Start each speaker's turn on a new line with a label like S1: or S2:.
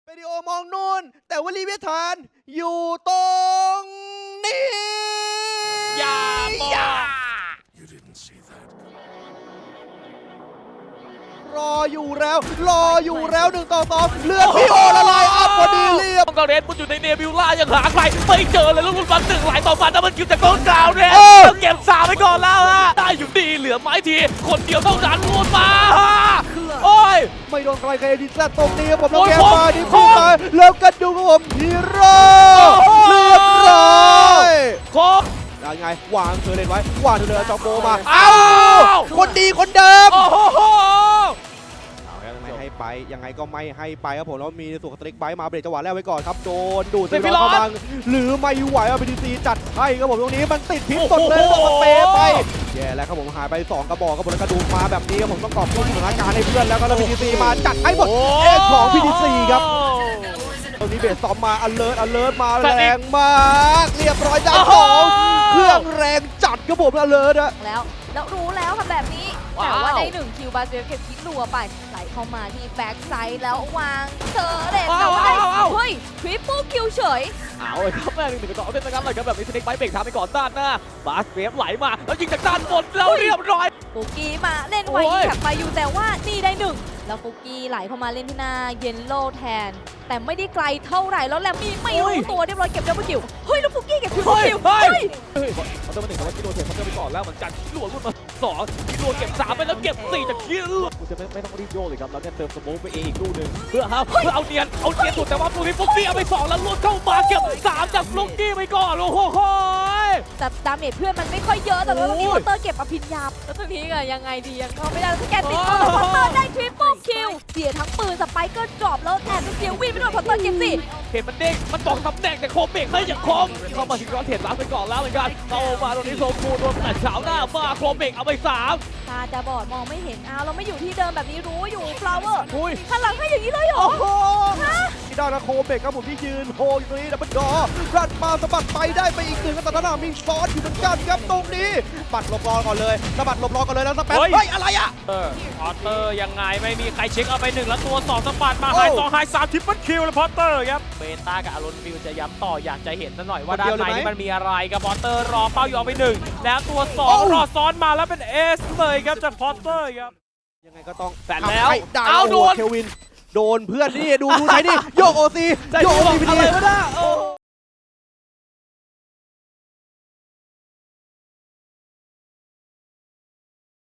S1: วิดีโอมองนู่นแต่ว่าลีเวทานอยู่ตรงนี้
S2: อย่าบอก
S1: รออยู่แล้ว1-2เลือดพี่โอละลายอัพพอดีเรียบ
S2: ต้องกระเรนมุดอยู่ในเนบิวล่ายังหาใครไม่เจอเลยแล้วรุ่นวัน1หลายต่อมาแต่มันคิวจากต้นกล่าวเนี่ยต้องเก็บ3ไปก่อนแล้วฮะได้อยู่ดีเหลือไม้ทีคนเดียวเท่านั้นลุ้นมาโอ้ย
S1: ไม่โดนใครดิสตรงนี้ครับผมแล้ว
S2: โอ้ย
S1: แกมาดิ
S2: โอ้
S1: พี่
S2: ย
S1: มาแล้วกันดูครับผมฮีโร่เรียบร้อย
S2: โคก
S1: ยังไงวางเธอเล่นไว้วางเธอเลยจอมโบมา
S2: อ้าว
S1: คนดีคนเดิม
S2: โอ้โห
S1: ไม่ให้ไปยังไงก็ไม่ให้ไปครับผมแล้วมีส่วนสตริกไบมาเบรกจังหวะแรกไว้ก่อนครับโดนดูดซีร้อนกำลังหรือไม่ไหวเอาบีดีซีจัดให้ครับผมตรงนี้มันติดพิษสดเลยต้องสเปรย์ไปแย่แล้วครับผมหายไป2กระบอกครับผมแล้วกระดูกมาแบบนี้ครับผมต้องกอบกู้สถานการณ์ให้เพื่อนแล้วก็บีดีซีมาจัดให้หมดเอของบีดีซีครับตรงนี้เบสซอมมาอเลิร์ตมาแรงมากเรียบร้อยด้านสองเครื่องแรงจัดครับผมอเลิร์ตอะ
S3: แล้วรู้แล้วค่ะแบบนี้แต่ว่าได้1คิวบาเซลเก็บคิดรัวไปไหลเข้ามาที่แบ็กไซด์แล้ววางเธอเด็ดแต่ว่าได้เฮ้ยทริปเปิลคิวเฉย
S2: เอาเลยครับแม่1-2เล่นนะครับเลยครับแบบนี้สเน็กไบเบรกทำไปก่อนด้านหน้าบาสเวฟไหลมาแล้วยิงจากด้านบนแล้วเรียบร้อย
S3: ฟุกกี้มาเล่นไวยิงแท็บไปอยู่แต่ว่านี่ได้1แล้วฟุกกี้ไหลเข้ามาเล่นที่หน้าเยนโลแทนแต่ไม่ได้ไกลเท่าไหร่แล้วแลมมี่ไม่รู้ตัวเรียบร้อยเก็บดับเบิลคิวเฮ้ยแล้วฟุกกี้เก็บคิวคิวเฮ้ย
S2: เขาต้องมา1แต่ว่าคิโลเทคเขาจะไปก่อนแล้วเหมือนกันคิโลรุ่นมา2คิโลเก็บ3ไปแล้วเก็บ4จากคิโลกูจะไม่ต้องรีบโยกเลยครับแล้วเนี่ยเติมสโมกไปเองอีกลูกหนึ่งเพื่อเอาเนียนสุดแต่ว่าปุ๊บฟุกกี้เอาไป2แล้วลุ้นเข้ามาเก็บ3จากฟุกกี้ไปก่อนโอ้โห
S3: แต่ดาเมจเพื่อนมันไม่ค่อยเยอะแต่ว่าตรงนี้พอตเตอร์เก็บอภิญญาแล้วตรงนี้ก็ยังไงดียังเข้าไม่ได้แล้วแกติดพอตเตอร์ได้ทริปเปิลคิวเสียทั้งปืนสไปเกอร์ดรอปแล้วแอบเสียวิ่งไปโดนพอตเตอร์เก็บ4
S2: เห็นมันเด้งมันตกตำแหน่งแต่โคเบรกไม่อย่างคมเข้ามาถึงร้อนเทรดล้างไปก่อนแล้วเหมือนกันเข้ามาตรงนี้โซคูโดนแต่เช้าหน้ามาโคเบรกเอาไป3
S3: ตาจะบอดมองไม่เห็นอ้าวเราไม่อยู่ที่เดิมแบบนี้รู้อยู่ฟลาวเวอร์
S2: อุ้ย
S3: ข้างหลังให้อย่างนี้เลยเหรอ
S1: โอ้โหที่ด้านโคเบกครับผมที่ยืนโฮอยู่ตรงนี้ดับเบิลดอรัดมาสะบัดไปได้ไปอีก1กับตาหน้ามีซ้อนอยู่เหมือนกันครับตรงนี้ปัดหลบรอก่อนเลยสะบัดหลบรอก่อนเลยแล้วสเปซเฮ้ยอะไรอะ
S2: พอตเตอร์ยังไงไม่มีใครเช็คเอาไป1แล้วตัว2สปัดมาไฮ2ไฮ3ทริปเปิลคิวแล้วพอตเตอร์ครับเบต้ากับอารอนฟิลจะย้ำต่ออยากจะเห็นซะหน่อยว่าด้านในนี่มันมีอะไรกับพอตเตอร์รอเป้าอยู่เอาไป1แล้วตัว2รอซ้อนมาแล้วเป็นเอสเลยครับจากพอตเตอร์ครับ
S1: ยังไงก็ต้อง
S2: แต่แล้ว
S1: เอา
S2: โดน
S1: เควินโดนเพื่อนนี่ดูใช้นี่โยกโอซี
S2: จะ
S1: โยก
S2: บ
S1: โอ
S2: อก
S1: ซีพี
S2: อะไร
S1: ดี
S2: ก็ได้โอ้โห